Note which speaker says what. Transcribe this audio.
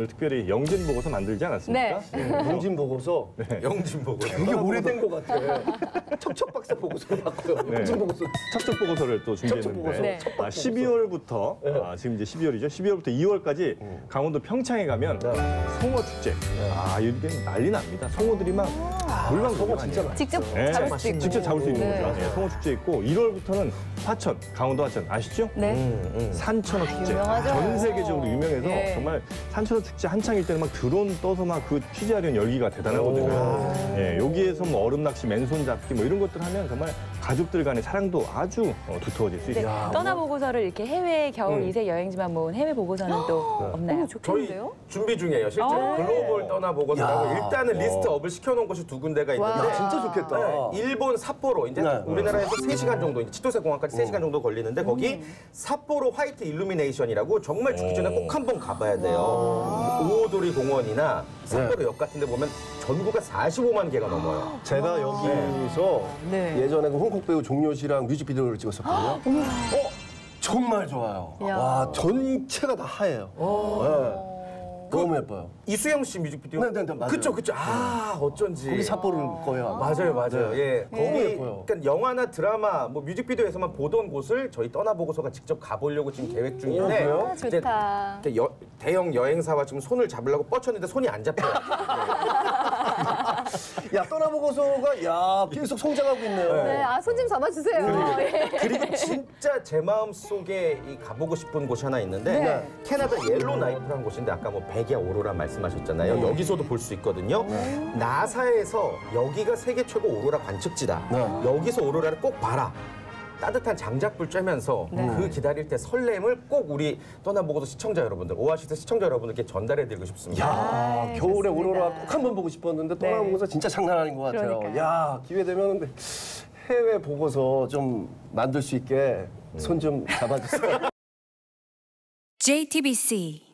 Speaker 1: 오늘 특별히 영진 보고서 만들지 않았습니까?
Speaker 2: 네.
Speaker 3: 영진 보고서.
Speaker 1: 네.
Speaker 4: 영진 보고서.
Speaker 3: 되게 오래된 것 같아. 척척박사 보고서로 바꿔요.
Speaker 1: 네.
Speaker 3: 영진 보고서.
Speaker 1: 첩첩 보고서를 또 준비했는데
Speaker 3: 네.
Speaker 1: 12월부터 지금 이제 12월이죠. 12월부터 2월까지 강원도 평창에 가면 송어 축제. 이게 난리 납니다. 송어들이 막 물방
Speaker 3: 송어 진짜 많아.
Speaker 2: 직접
Speaker 1: 네.
Speaker 2: 잡을 수 있고.
Speaker 1: 직접 잡을 수 있는
Speaker 2: 네.
Speaker 1: 거죠. 네, 송어 축제 있고 1월부터는 화천, 강원도 화천 아시죠?
Speaker 2: 네.
Speaker 1: 산천어 축제.
Speaker 2: 유명하죠.
Speaker 1: 전 세계적으로 유명해서
Speaker 2: 네.
Speaker 1: 정말 산천어 축제 한창일 때는 막 드론 떠서 막 그 취재하려는 열기가 대단하거든요. 예, 여기에서 뭐 얼음 낚시, 맨손 잡기 뭐 이런 것들 하면 정말 가족들 간의 사랑도 아주 두터워질 수 있어요.
Speaker 5: 떠나보고서를 이렇게 해외 겨울 이세 여행지만 모은 해외 보고서는 또 없나요?
Speaker 4: 저희 준비 중이에요. 실제로 글로벌 떠나보고서라고 일단은 리스트업을 시켜놓은 곳이 두 군데가 있는데
Speaker 3: 진짜 좋겠다.
Speaker 4: 네, 일본 삿포로 이제 우리나라에서 3시간 정도 이제 치토세 공항까지 3시간 정도 걸리는데 거기 삿포로 화이트 일루미네이션이라고 정말 죽기 전에 꼭 한번 가봐야 돼요. 오오도리 공원이나 삿포로 역 같은 데 보면 전구가 45만 개가 넘어요.
Speaker 3: 제가 여기서 예전에 그 홍콩 배우 종료 씨랑 뮤직비디오를 찍었었거든요. 정말 좋아요. 와, 전체가 다 하얘요. 네. 너무 예뻐요.
Speaker 4: 이수영 씨 뮤직비디오?
Speaker 3: 네, 맞아요.
Speaker 4: 그쵸. 어쩐지.
Speaker 3: 거기 삿포로일 거예요. 아마.
Speaker 4: 맞아요. 예.
Speaker 3: 너무
Speaker 4: 거기
Speaker 3: 예뻐요.
Speaker 4: 그러니까 영화나 드라마, 뭐 뮤직비디오에서만 보던 곳을 저희 떠나보고서가 직접 가보려고 지금 계획 중인데
Speaker 3: 그래요?
Speaker 4: 이제
Speaker 2: 좋다.
Speaker 4: 대형 여행사와 지금 손을 잡으려고 뻗쳤는데 손이 안 잡혀요.
Speaker 3: 야, 떠나보고서가 계속 성장하고 있네요.
Speaker 2: 네, 손 좀 잡아주세요. 예.
Speaker 4: 그리고 진짜 제 마음속에 가보고 싶은 곳이 하나 있는데 캐나다 옐로나이프라는 곳인데 아까 뭐 백야 오로라 말씀하셨잖아요. 여기서도 볼 수 있거든요. 나사에서 여기가 세계 최고 오로라 관측지다. 여기서 오로라를 꼭 봐라. 따뜻한 장작불 쬐면서 그 기다릴 때 설렘을 꼭 우리 떠나보고서 시청자 여러분들, 오아시스 시청자 여러분들께 전달해드리고 싶습니다.
Speaker 3: 야, 겨울에 오로라 꼭 한번 보고 싶었는데 떠나보고서 진짜 장난 아닌 것 같아요.
Speaker 2: 그러니까요.
Speaker 3: 야, 기회 되면 해외 보고서 좀 만들 수 있게 손 좀 잡아주세요.
Speaker 6: JTBC